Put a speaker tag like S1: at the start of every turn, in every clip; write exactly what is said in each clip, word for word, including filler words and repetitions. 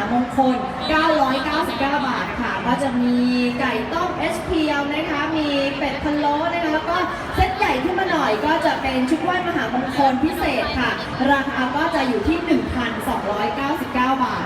S1: มงคลเก้าร้อยเก้าสิบเก้า บาทค่ะก็จะมีไก่ต้ม เอช พี แอล นะคะมีเป็ดพะโล้นะคะแล้วก็เซตใหญ่ขึ้นมาหน่อยก็จะเป็นชุดไหว้มหามงคลพิเศษค่ะราคาก็จะอยู่ที่ หนึ่งพันสองร้อยเก้าสิบเก้า บาท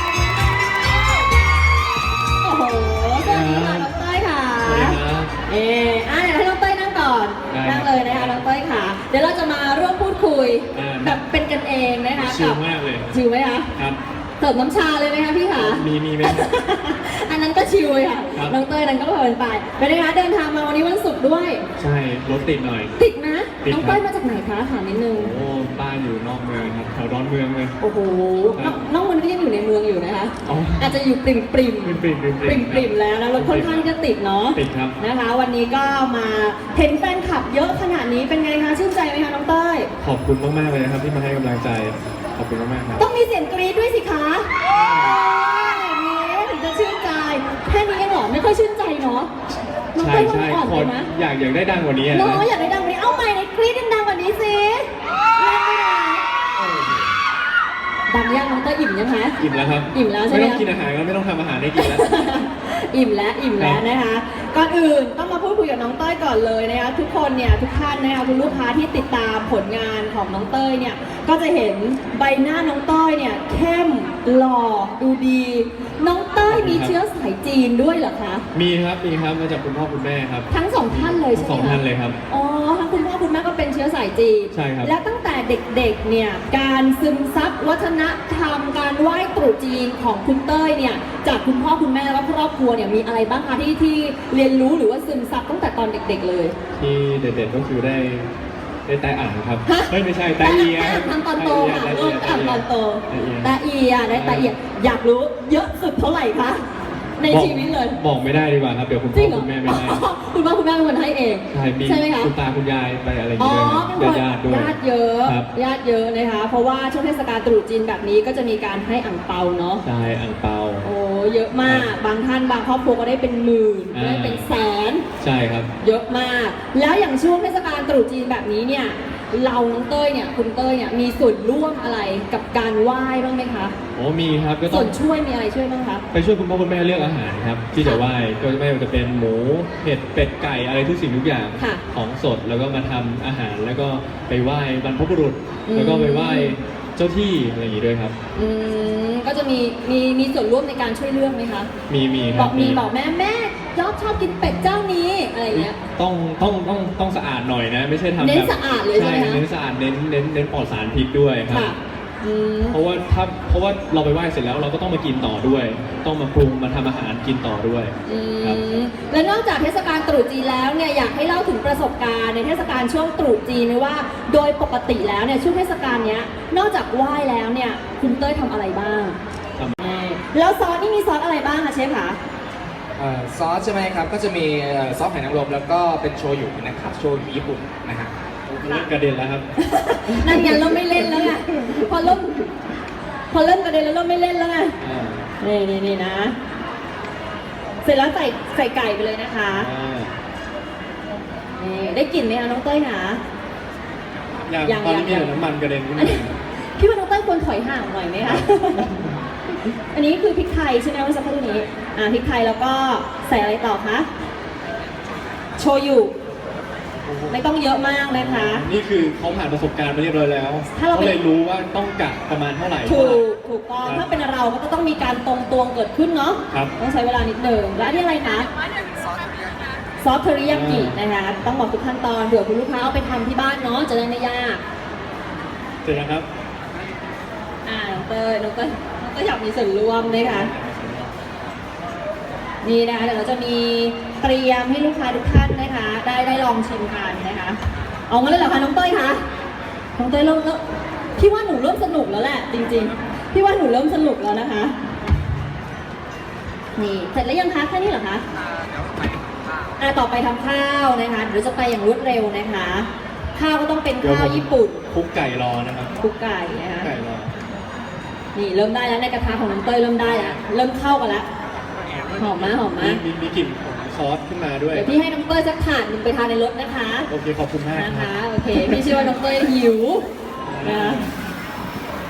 S1: โอ้โหสวัสดีค่ะน้องเต้ยค่ะเอออ่ะเดี๋ยวให้น้องเต้ยนั่งก่อนนั่งเลยนะคะน้องเต้ยค่ะเดี๋ยวเราจะมาร่วมพูดคุยแบบเป็นกันเองนะคะ
S2: ชิลมากเลย
S1: ชิลไหมคะ
S2: ครับ
S1: เสิร์ฟน้ำชาเลยไหมคะพี่คะ
S2: มีมีไหม
S1: อันนั้นก็ชิลเลยค่ะน้องเต้ยนั้นก็เพลินไปเป็นไงคะเดินทางมาวันนี้วันศุกร์ด้วย
S2: ใช่รถติดหน่อย
S1: ติดนะน้องเต้ยมาจากไหนคะถามนิดนึง
S2: โอ้บ้านอยู่นอกเมืองครับแถวดอนเมืองเลย
S1: โอ้โหน้องมันก็ยังอยู่ในเมืองอยู่นะคะอาจจะอยู่ปริมปริม
S2: ปริมปริม
S1: ปริมปริมแล้วนะรถค่อนข้างจะติดเนาะ
S2: ติดครับ
S1: นะคะวันนี้ก็มาเห็นแฟนคลับเยอะขนาดนี้เป็นไงคะชื่นใจไหมคะน้องเต้ย
S2: ขอบคุณมากๆเลยนะครับที่มาให้กำลังใจขอบคุณมากๆครับ
S1: ต้องมีเสียงกรี๊ดด้วยสิคะอย่างนี้ถึงจะชื่นใจแค่นี้เองเหรอไม่ค่อยชื่นใจเนาะ
S2: ใช่ใช่ขออยากอยากได้ดังกว่านี้นะ
S1: เนาะอยากได้ดังกว่านี้เอาใหม่ในกรี๊ดดังกว่านี้สิดังยังน้องเต้ยอิ่มยังคะ
S2: อิ่มแล้วครับ
S1: อิ่มแล้วใช่ไหม
S2: ไม่ต้องกินอาหารแล้วไม่ต้องทำอาหารได้กินแล้ว
S1: อิ่มแล้วอิ่มแล้วนะคะก่อนอื่นต้องมาพูดคุยกับน้องเต้ยก่อนเลยนะคะทุกคนเนี่ยทุกท่านนะคะคุณลูกค้าที่ติดตามผลงานของน้องเต้ยเนี่ยก็จะเห็นใบหน้าน้องเต้ยเนี่ยเข้มหล่อดูดีน้องเต้ยมีเชื้อสายจีนด้วยเหรอคะ
S2: มีครับมีครับมาจากคุณพ่อคุณแม่ครับ
S1: ทั้งสองท่านเลยใช่ไหม
S2: สองท่านเลยครับ
S1: อ๋อทั้งคุณพ่อคุณแม่ก็เป็นเชื้อสายจีน
S2: ใช่ครับ
S1: แล้วตั้งแต่เด็กๆเนี่ยการซึมซับวัฒนธรรมการไหว้ตรุษจีนของคุณเต้ยเนี่ยจากคุณพ่อคุณแม่และครอบครัวเนี่ยมีอะไรบ้างคะที่ที่เรียนรู้หรือว่าซึมซับตั้งแต่ตอนเด็กๆเลย
S2: ที่เด็ดๆก็คือได้ได้แต่อ่านครับไม่ไม่ใช่แต่เอีย
S1: ทำตอนโตค่ะลูกทำตอนโตแต่เอียได้แต่เอียอยากรู้เยอะสุดเท่าไหร่คะในชีวิตเลย
S2: บอกไม่ได้ดีกว่าครับเดี๋ยวคุณพ่อคุณแม่ไม่ให้
S1: คุณพ่อคุณแม่เป็นคนให้เอง
S2: ใช่ไหมคะคุณตาคุณยายไปอะไรอย่างเงี้ยญาติด้วย
S1: ญาติเยอะญาติเยอะนะคะเพราะว่าช่วงเทศกาลตรุษจีนแบบนี้ก็จะมีการให้อั่งเปาเนาะ
S2: ใช่อั่งเปา
S1: โอ้เยอะมากบางท่านบางครอบครัวก็ได้เป็นหมื่นได้เป็นแสน
S2: ใช่ครับ
S1: เยอะมากแล้วอย่างช่วงเทศกาลตรุษจีนแบบนี้เนี่ยเราน้องเต้ยเนี่ยคุณเต้ยเนี่ยมีส่วนร่วมอะไรกับการไหว้บ้างไหมคะ
S2: โอ้มีครับก็
S1: ต้องส่วนช่วยมีอะไรช่วยบ้างคะ
S2: ไปช่วยคุณพ่อคุณแม่เลือกอาหารครับที่จะไหว้ก็ไม่ว่าจะเป็นหมูเห็ดเป็ดไก่อะไรทุกสิ่งทุกอย่างของสดแล้วก็มาทำอาหารแล้วก็ไปไหว้บรรพบุรุษแล้วก็ไปไหว้เจ้าที่อะไรอย่างนี้ด้วยครับ
S1: อืมก็จะมีมีมีส่วนร่วมในการช่วยเลือกไหมคะ
S2: มีมี
S1: บอกมีบอกแม่แม่ยอดชอบกินเป็ดเจ้านี้อะไรเงี้ย
S2: ต้องต้องต้องต้องสะอาดหน่อยนะไม่ใช่ทำแบบ
S1: เน้นสะอาดเลยใช่ไหม
S2: เน้นสะอาดเน้นเน้นเน้นปลอดสารพิษด้วยครับเพราะว่าถ้าเพราะว่าเราไปไหว้เสร็จแล้วเราก็ต้องมากินต่อด้วยต้องมาปรุงมาทำอาหารกินต่อด้วย
S1: ครับและนอกจากเทศกาลตรุษจีนแล้วเนี่ยอยากให้เล่าถึงประสบการณ์ในเทศกาลช่วงตรุษจีนนะว่าโดยปกติแล้วเนี่ยช่วงเทศกาลเนี้ยนอกจากไหว้แล้วเนี่ยคุณเต้ยทำอะไรบ้างแล้วซอสนี่มีซอสอะไรบ้างคะเชฟคะ
S3: ซอสใช่ไหมครับก็จะมีซอสหอยนางรมแล้วก็เป็นโชยุนะครับโชยุญี่ปุ่นนะฮะ
S2: กระเด็นแล้วครับ
S1: นั่นไงเราไม่เล่นแล้วไงพอเริ่มพอเริ่มกระเด็นแล้วเราไม่เล่นแล้วไงนี่นี่นี่นะเสร็จแล้วใส่ใส่ไก่ไปเลยนะคะนี่ได้กลิ่นไหมคะน้องเต้ยคะ
S2: อย่างตอนนี้มีน้ำมันกระเด็นขึ้นมา
S1: พี่ว่าน้องเต้ยควรถอยห่างหน่อยไหมคะอันนี้คือพริกไทยใช่ไหมเมื่อสักครู่นี้อ่าพริกไทยแล้วก็ใส่อะไรต่อคะโชยุไม่ต้องเยอะมากนะคะ
S2: นี่คือเขาผ่านประสบการณ์มาเรียบร้อยแล้วเขาเลยรู้ว่าต้องกะประมาณเท่าไหร่
S1: ถูกถูกต้องถ้าเป็นเราก็ต้องมีการตรงตวงเกิดขึ้นเนาะต้องใช้เวลานิดหนึ่งแล้วนี่อะไรคะซอสเทริยากินะคะต้องบอกทุกขั้นตอนเผื่อคุณลูกค้าเอาไปทำที่บ้านเนาะจะได้ไม่ยาก
S2: เสร็จแล้วครับ
S1: อ่าน้องเต้ยน้องเต้ยน้องเต้ยอยากมีส่วนร่วมไหมคะนี่นะคะเดี๋ยวเราจะมีเตรียมให้ลูกค้าทุกท่านนะคะได้ได้ลองชิมกันนะคะเอางั้นเลยเหรอคะน้องเต้ยคะน้องเต้ยเริ่มแล้วพี่ว่าหนูเริ่มสนุกแล้วแหละจริงๆพี่ว่าหนูเริ่มสนุกแล้วนะคะนี่เสร็จแล้วยังคะแค่นี้เหรอคะอ่าต่อไปทำข้าวนะคะเดี๋ยวจะไปอย่างรวดเร็วนะคะข้าวก็ต้องเป็นข้าวญี่ปุ่น
S2: คลุกไก่รอนะครับ
S1: คลุกไก่นะคะ
S2: ไก่รอ
S1: นี่เริ่มได้แล้วในกระทะของน้องเต้ยเริ่มได้แล้วเริ่มเข้ากันแล้วหอมมาหอมมา
S2: มีมีกลิ่นของซอสขึ้นมาด้วย
S1: เดี๋ยวพี่ให้น้องเต้ยสักถาดนึงไปทานในรถนะคะ
S2: โอเคขอบคุณมาก
S1: นะคะโอเคพี่เชื่อว่าน้องเต้ยหิวนะ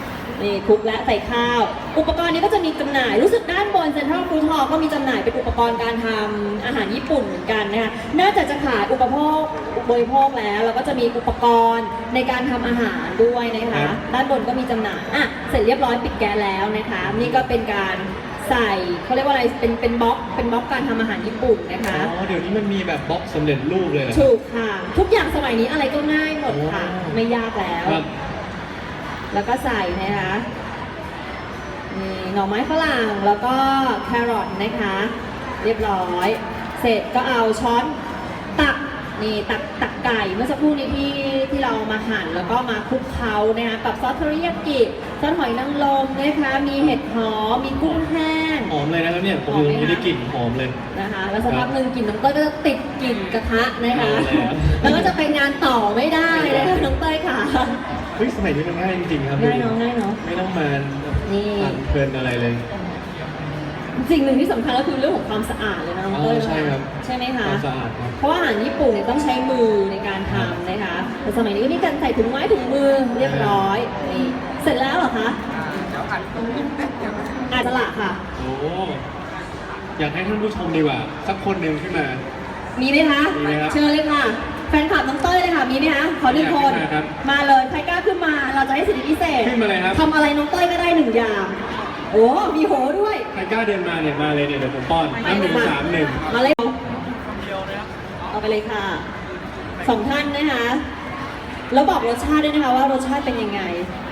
S1: นี่คลุกและใส่ข้าว อุปกรณ์นี้ก็จะมีจำหน่าย รู้สึกด้านบนเซ็นทรัลฟู้ดฮอลล์ก็มีจำหน่ายเป็นอุปกรณ์การทำอาหารญี่ปุ่นเหมือนกันนะคะนอกจากจะขายอุปโภคบริโภคแล้วเราก็จะมีอุปกรณ์ในการทำอาหารด้วยนะคะ ด้านบนก็มีจำหน่ายอ่ะเสร็จเรียบร้อยปิดแก๊สแล้วนะคะ นี่ก็เป็นการใส่เขาเรียกว่าอะไรเป็นเป็นบล็อกเป็นบล็อกการทำอาหารญี่ปุ่นนะคะ
S2: อ๋อเดี๋ยวนี้มันมีแบบบล็อกสำเร็จรูปเลยเหรอ
S1: ถูกค่ะ ทุกอย่างสมัยนี้อะไรก็ง่ายหมดค่ะ
S2: โอ้
S1: ไม่ยากแล้ว
S2: ครับ
S1: แล้วก็ใส่นะคะนี่หน่อไม้ฝรั่งแล้วก็แครอทนะคะ เรียบร้อย เสร็จก็เอาช้อนตักนี่ตักตักไก่เมื่อสักครู่นี้ที่ที่เรามาหั่นแล้วก็มาคลุกเคล้านะคะกับซอสเทอริยากิซอสหอยนางรมนะคะมีเห็ดหอมมีกุ้งแห้ง
S2: หอมเลยนะครับเนี่ยผม
S1: หอมไหม
S2: ยังไม่ได้
S1: คะ
S2: กลิ่นหอมเลย
S1: นะคะแล้วสักพักหนึ่งกลิ่นน้องเต้ยก็จะติดกลิ่นกระทะนะคะ
S2: เอาแล้ว
S1: แล้วก็จะไปงานต่อไม่ได้นะคะน้องเต้ยค่ะ
S2: เฮ้ยสมัยนี้มันง่ายจริงๆครับ
S1: ง่ายเนาะง่ายเนาะ
S2: ไม่ต้องมา
S1: นี่
S2: ปั่นเพลินอะไรเลย
S1: สิ่งหนึ่งที่สำคัญก็คือเรื่องของความสะอาดเลยนะน้องเต้ย
S2: อ๋อใช่ครับ
S1: ใช่ไหม
S2: ค
S1: คะ
S2: วามสะอาดครับ
S1: เพราะว่าอาหารญี่ปุ่นเนี่ยต้องใช้มือในการทำนะคะแต่สมัยนี้ก็มีการใส่ถุงไม้ถุงมือเรียบร้อยนี่เสร็จแล้วเหรอคะ
S3: เดี๋ยวผัดนิดเดียว
S1: อาจจะละค่ะ
S2: โอ้อยากให้ท่านผู้ชมดีกว่า สักคนหนึ่งขึ้นมา
S1: มีไหมคะ
S2: มีไหมครับ
S1: เชิญเลยค่ะ แฟนคลับน้องเต้ยเลยค่ะ มีไหมคะ ขอหนึ่งคน
S2: อยากให้มาครับ
S1: มาเลย ใครกล้าขึ้นมา เราจะให้สิทธิพิเศษ
S2: ขึ้นมาเลยครับ
S1: ทำอะไรน้องเต้ยก็ได้หนึ่งอย่าง โอ้ มีโหด้วย
S2: ใครกล้าเดินมาเนี่ยมาเลยเนี่ยเดี๋ยวผมป้อนน้ำหนึ่งสามหนึ่ง
S1: มาเลยเอาไปเลยค่ะ สองท่านนะคะ แล้วบอกรสชาติด้วยนะคะว่ารสชาติเป็นยังไง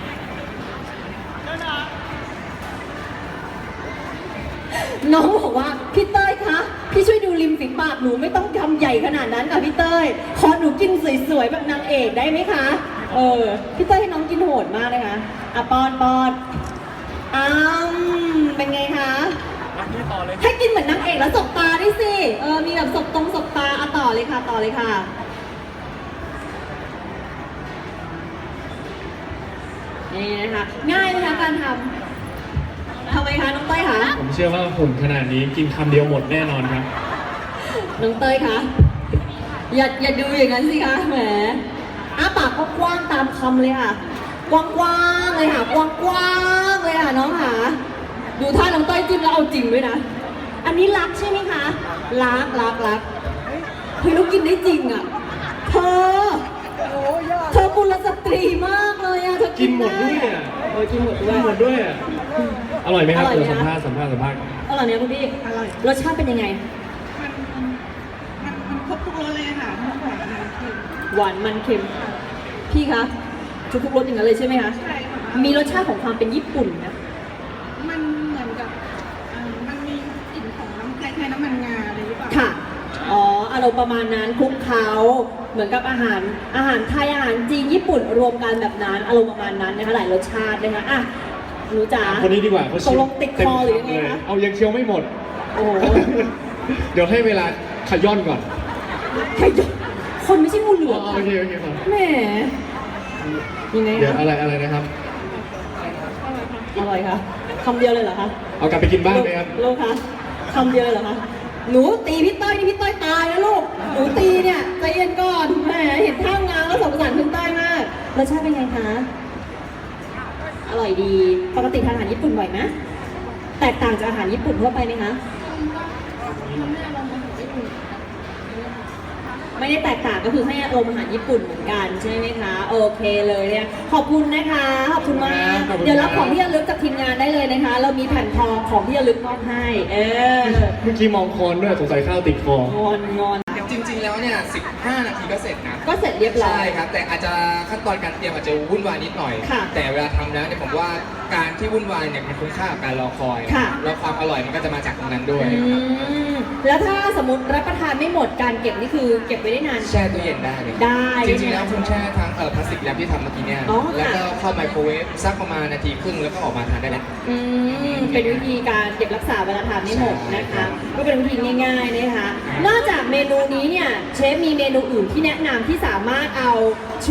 S1: น้องบอกว่าพี่เต้ยคะพี่ช่วยดูริมฝีปากหนูไม่ต้องทำใหญ่ขนาดนั้นค่ะพี่เต้ยขอหนูกินสวยๆแบบนางเอกได้ไหมคะเออพี่เต้ยให้น้องกินโหดมากเลยค่ะอ่ะปอนปอนอ้ามเป็นไงคะให้กินเหมือนนางเอกแล้วสบตาด้วยสิเออมีแบบสบตรงสบตาอ่ะต่อเลยค่ะต่อเลยค่ะนี่นะคะง่ายไหมคะการทำทำไมคะน้องเต้ยคะ
S2: ผมเชื่อว่าหุ่นขนาดนี้กินคำเดียวหมดแน่นอนครับ
S1: น้องเต้ยคะอย่าอย่าดูอย่างนั้นสิคะแหมอ้าปากก็กว้างตามคำเลยค่ะ กว้างๆเลยค่ะ กว้างๆเลยค่ะน้องค่ะดูท่าน้องเต้ยจิ้มแล้วเอาจริงด้วยนะ อันนี้รักใช่ไหมคะรักรักรักเฮ้ยลูกกินได้จริงอ่ะเธอเธอกุลสตรีมากเลยอ่ะเธอ
S2: กินหมดด้วยอ่ะ
S1: เออกินหมดด้
S2: กิ
S1: วน ย
S2: หมดด้วยอ่ะอร่อยไหมครับ
S1: อร่อยไหม
S2: เดี๋ยวสัมภาษณ์สัมภาษณ์สัมภาษณ์
S1: อร่อยเนี่ยคุณพี่อร่อยรสชาติเป็นยังไง
S4: มันมันมันครบทุกรสเลยค่ะทั้งหวานมันเค็ม
S1: หวานมันเค็ม พี่คะทุกทุกรสอย่างนั้นเลยใช่ไหมคะ
S4: ใช่ค่ะ
S1: มีรสชาติของความเป็นญี่ปุ่นนะ
S4: มันเหมือนกับเอ่อมันมีกลิ่นของน้ำคล้ายๆน้ำมันงาอะไรหรือเปล่า
S1: ค่ะ อ๋อ อารมณ์ประมาณนั้นคลุกเคล้าเหมือนกับอาหาร อาหารไทย อาหารจีน ญี่ปุ่น รวมกันแบบนั้น อารมณ์ประมาณนั้นนะคะ หลายรสชาตินะคะอ่ะ หนูจ๋า
S2: คนนี้ดีกว่าเขา
S1: ตกลงติดคอหรือยังไง
S2: เต็ม
S1: คะ
S2: เอายังเคี้ยวไม่หมด
S1: โอ้โห
S2: เดี๋ยวให้เวลาขย่อนก่อน
S1: ใครจะคนไม่ใช่งูเหลือม
S2: อ๋อโอเคโอเคครับ
S1: แหมยังไง
S2: เดี๋ยว
S1: คะ
S2: อะไรอะไรนะครับ
S1: อร่อยค่ะคำเดียวเลยเหรอคะ
S2: เอากลับไปกินบ้านไหมครับ
S1: ลูกคะคำเดียวเลยเหรอคะ หนูตีพี่ต้อยนี่พี่ต้อยตายแล้วลูก หนูตีเนี่ยใจเย็นก่อน แหมเห็นท่างานแล้วสงสารคุณต้อยมาก รสชาติเป็นไงคะ อร่อยดี ปกติทานอาหารญี่ปุ่นบ่อยไหมแตกต่างจากอาหารญี่ปุ่นทั่วไปไหมคะ ไม่ได้แตกต่างก็คือให้อารมณ์อาหารญี่ปุ่นเหมือนกันใช่ไหมคะ โอเคเลยเนี่ยขอบคุณนะคะ ขอบคุณมาก
S2: ขอบคุณครับ
S1: เดี๋ยวรับของที่ระลึกจากทีมงานได้เลยนะคะ เรามีแผ่นทองของที่ระลึกมอบให้ เออ
S2: เมื่อกี้มองคอนด้วยสงสัยข้าวติดคอ
S1: งอนงอน
S3: จริงๆแล้วเนี่ยสิบห้านาทีก็เสร็จนะ
S1: ก็เสร็จเรียบร้อ
S3: ใช่
S1: ย
S3: ครับ แต่อาจจะขั้นตอนการเตรียมอาจจะวุ่นวายนิดหน่อย
S1: ค่ะ
S3: แต่เวลาทำแล้วเนี่ยผมว่าการที่วุ่นวายเนี่ยมันคุ้มค่ากับการรอคอย
S1: ค่ะ
S3: แล้วความอร่อยมันก็จะมาจากตรงนั้นด้วย
S1: อืมแล้วถ้าสมมติรับประทานไม่หมดการเก็บนี่คือเก็บไว้ได้นาน
S3: แช่ตู้เย็นได้เลย
S1: ได้
S3: จริงๆแล้วคุณแช่ทั้งเอ่อพลาสติกแรปที่ทำเมื่อกี้เนี่ย
S1: อ๋อค่ะ
S3: แล้วก็เข้าไมโครเวฟสักประมาณนาทีครึ่งแล้วก็ออกมาทานได้แล้ว
S1: อืมเป็นวิธีการเก็บรักษาเวลาทานไม่หมดนะคะ ก็เป็นวิธีง่ายๆนะคะ นอกจากเมนูนี้เนี่ยเชฟมีเมนูอื่นที่แนะนำที่สามารถเอาชุด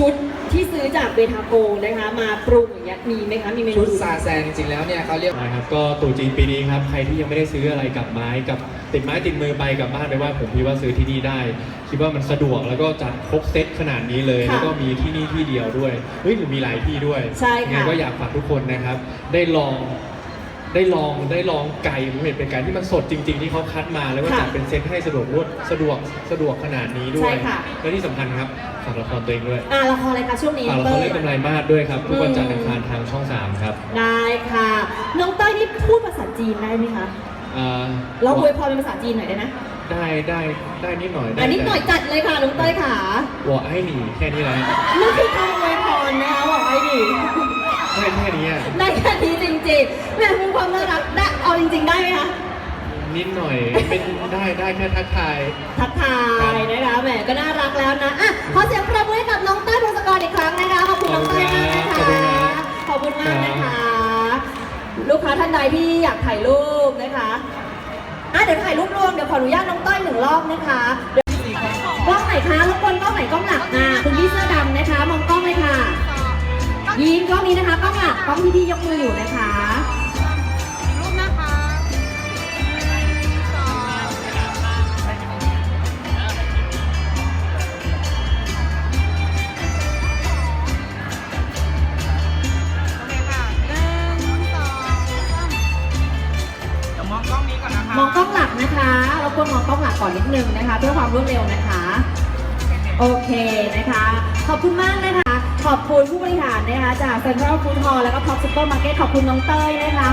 S1: ที่ซื้อจากเบทาโกนะคะมาปรุงอย่างเงี้ยมีไหมคะมีเมนู
S3: ชุด
S1: อื่น
S3: ซาแซนจริงๆแล้วเนี่ยเขาเรียก
S2: นะครับก็ตรุษจีนปีนี้ครับใครที่ยังไม่ได้ซื้ออะไรกับไม้กับติดไม้ติดมือไปกลับบ้านไปไหว่าผมคิดว่าซื้อที่นี่ได้ คิดว่ามันสะดวกแล้วก็จัดครบเซตขนาดนี้เลย
S1: ค่ะ
S2: แล้วก็มีที่นี่ที่เดียวด้วยเฮ้ยหรือมีหลายที่ด้วย
S1: ใช่ค่ะ
S2: งั้นก็อยากฝากทุกคนนะครับ ได้ลองได้ลองได้ลองไก่ผมเห็นเป็นไก่ที่มันสดจริง ๆ ที่เขาคัดมาแล้วก็
S1: ค่ะ
S2: จัดเป็นเซตให้สะดวกรวดสะดวกสะดวกขนาดนี้ด้ว
S1: ใช่
S2: ย
S1: ค่ะ
S2: และที่สำคัญครับฝากละครตัวเองด้วย
S1: อ่าละครอะไรคะช่วงนี้
S2: ฝากละคร
S1: เต้
S2: เรื่
S1: ย
S2: องกำไรมาสด้วยครับทุกวัน
S1: อืม
S2: จันทร์อังคารทางช่องสามครับ
S1: ได้ค่ะ น้องเต้ยนี่พูดภาษาจีนได้ไหมคะ
S2: อ่า
S1: เราอวยพรเป็นภาษาจีนหน่อยได้ไหม
S2: ได้ได้ได้นิดหน่อย
S1: อันนี้หน่อยจัดเลยค่ะน้องเต้ยค่ะ
S2: วอไอ้หนีแค่นี้แหละ
S1: นั่นคือคำอวยพรนะคะบอกไว้ดี
S2: ได้แค่นี้อะ
S1: ได้แค่นี้จริงๆแม่เป็นความน่ารักได้เอาจริง ๆ ได้ไหมคะ
S2: นิดหน่อยเป็นได้ได้แค่ทักทาย
S1: ทักทายนะคะแหมก็น่ารักแล้วนะอ่ะขอเสียงปรบมือให้กับน้องเต้ยพงศกรอีกครั้งนะคะขอบคุณน้องเต้ยมากนะคะขอบคุณมากนะคะ ลูกค้าท่านใดที่อยากถ่ายรูปนะคะอ่ะเดี๋ยวถ่ายรูปรวมเดี๋ยวขออนุญาตน้องเต้ยหนึ่งรอบนะคะเดี๋ยวกล้องไหนคะรบกวนกล้องไหนกล้องหลักอ่ะคุณพี่เสื้อดำนะคะมองกล้องเลยค่ะยิ้มกล้องนี้นะคะกล้องหลักกล้องที่พี่ยกมืออยู่นะคะ
S4: รูปนะคะสองโอเคค่ะหนึ่งสองสามเดี๋ยวมองกล้องนี้ก่อนนะคะ
S1: มองกล้องหลักนะคะรบกวนมองกล้องหลักก่อนนิดนึงนะคะ เพื่อความรวดเร็วนะคะ โอเคนะคะ ขอบคุณมากนะคะ ขอบคุณผู้บริหารนะคะจากเซ็นทรัลฟู้ดฮอลล์แล้วก็ท็อปซุปเปอร์มาร์เก็ตขอบคุณน้องเต้ยนะคะ